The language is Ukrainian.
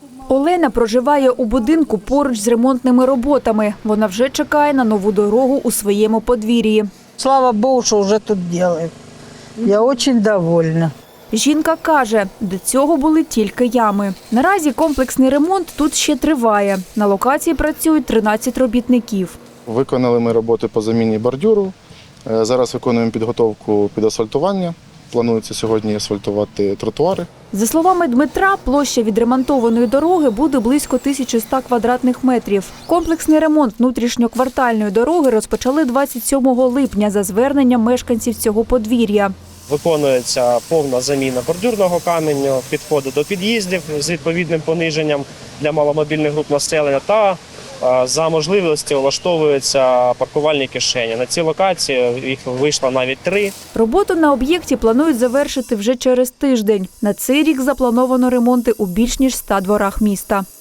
Олена проживає у будинку поруч з ремонтними роботами. Вона вже чекає на нову дорогу у своєму подвір'ї. Слава Богу, що вже тут роблять. Я дуже довольна. Жінка каже, до цього були тільки ями. Наразі комплексний ремонт тут ще триває. На локації працюють 13 робітників. Виконали ми роботи по заміні бордюру. Зараз виконуємо підготовку під асфальтування. Планується сьогодні асфальтувати тротуари. За словами Дмитра, площа відремонтованої дороги буде близько 1100 квадратних метрів. Комплексний ремонт внутрішньоквартальної дороги розпочали 27 липня за зверненням мешканців цього подвір'я. Виконується повна заміна бордюрного каменю, підходи до під'їздів з відповідним пониженням для маломобільних груп населення та за можливості влаштовуються паркувальні кишені. На цій локації їх вийшло навіть 3. Роботу на об'єкті планують завершити вже через тиждень. На цей рік заплановано ремонти у більш ніж 100 дворах міста.